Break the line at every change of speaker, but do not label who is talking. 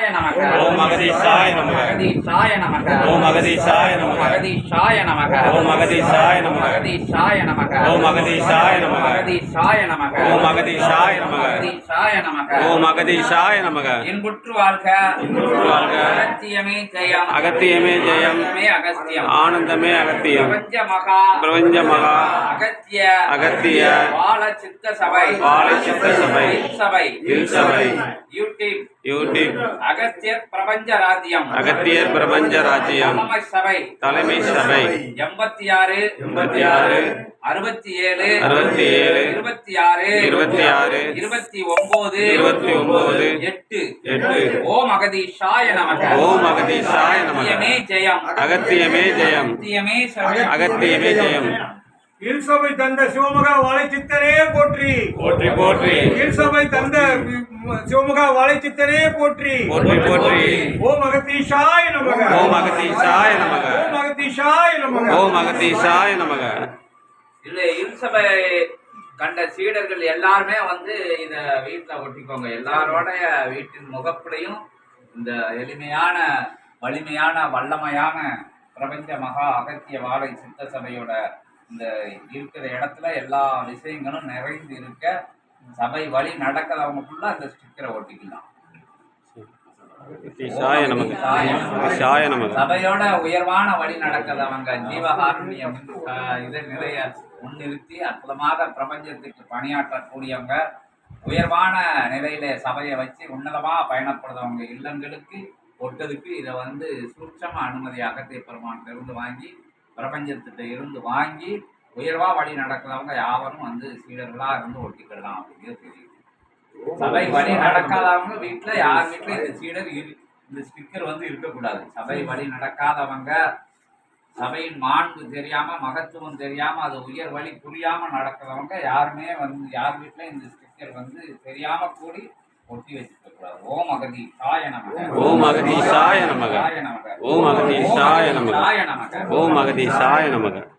நமக.
ஓம் அகதீசாய நமக.
அகதீசாய நமக.
ஓம் அகதீசாய நமக.
அகதீசாய நமக.
ஓம் அகதீசாய நமக.
அகதீசாய நமக.
ஓம் அகதீசாய நமக.
அகதீசாய நமக.
ஓம் அகதீசாய நமக.
அகதீசாய நமக.
ஓம் அகதீசாய நமக.
இன்புற்று வாழ்க.
இன்புற்று வாழ்க.
அகத்தியமே ஜெயம்.
அகத்தியமே ஜெயம்.
ஆனந்தமே அகஸ்தியம்.
ஆனந்தமே அகத்தியம்.
பிரபஞ்ச மகா.
பிரபஞ்ச மகா.
அகத்திய.
அகத்திய.
வாழ சித்த சபை.
வாழ சித்த சபை.
சபை.
சபை.
யூடியூப்.
யூடியூப்.
அகத்தியர் பிரபஞ்ச ராஜ்யம்.
அகத்தியர் பிரபஞ்ச ராஜ்யம்.
தலைமை சபை.
தலைமை சபை.
86
86
67
67
26
26
29
29
8
8
ஓம் அகதீஷாய நமக.
ஓம் அகதீஷாய நமக.
அகத்தியமே ஜெயம்.
அகத்தியமே ஜெயம்.
அகத்தியமே சபை.
அகத்தியமே ஜெயம்.
இல்சபை தந்த சிவமுகா வாழைச்சித்தனே போற்றி.
போற்றி போற்றி.
இல்சபை தந்த சிவமுகா வாழைச்சித்தனே போற்றி.
போற்றி போற்றி.
ஓம் அகதீஷாய நமக.
ஓம் அகதீஷாய நமக.
ஓம் அகதீஷாய நமக.
ஓம் அகதீஷாய நமக.
இல்ல இல்சபை கண்ட சீடர்கள் எல்லாருமே இத வீட்டுல ஒட்டிக்கோங்க. எல்லாரோடைய வீட்டின் முகப்புடையும் இந்த எளிமையான வலிமையான வல்லமையான பிரபஞ்ச மகா அகத்திய வாழை சித்த சபையோட இந்த இருக்கிற இடத்துல எல்லா விஷயங்களும் நிறைந்து இருக்க சபை வழி நடக்கிறவங்களுக்குள்ள அந்த ஸ்டிக்கரை ஒட்டிக்கலாம். சபையோட உயர்வான வழி நடக்கிறவங்க ஜீவகாருண்யம் இதை நிறைய முன்னிறுத்தி அற்புதமாக பிரபஞ்சத்துக்கு பணியாற்றக்கூடியவங்க, உயர்வான நிலையில சபையை வச்சு உன்னதமா பயணப்படுறவங்க இல்லங்களுக்கு ஒட்டதுக்கு இதை சூட்சம அனுமதி அகத்திய பெருமான்கிட்ட இருந்து வாங்கி பிரபஞ்சத்திட்ட இருந்து வாங்கி உயர்வா வழி நடக்கிறவங்க யாவரும் சீடர்களா இருந்து ஒட்டிக்கலாம் அப்படிங்கிறது தெரியுது. சபை வழி நடக்காதவங்க வீட்டுல யார் வீட்டுல இந்த சீடர் இந்த ஸ்டிக்கர் இருக்கக்கூடாது. சபை வழி நடக்காதவங்க, சபையின் மாண்பு தெரியாம மகத்துவம் தெரியாம அது உயர் வழி புரியாம நடக்கிறவங்க யாருமே யார் வீட்டுல இந்த ஸ்டிக்கர் தெரியாம கூடி ஒட்டி வச்சுக்க கூடாது. ஓம் அகதீஷாய நமக.
ஓம் அகதீஷாய நமக. ஓம் அகதீஷாய நமக. ஓம் அகதீஷாய நமக.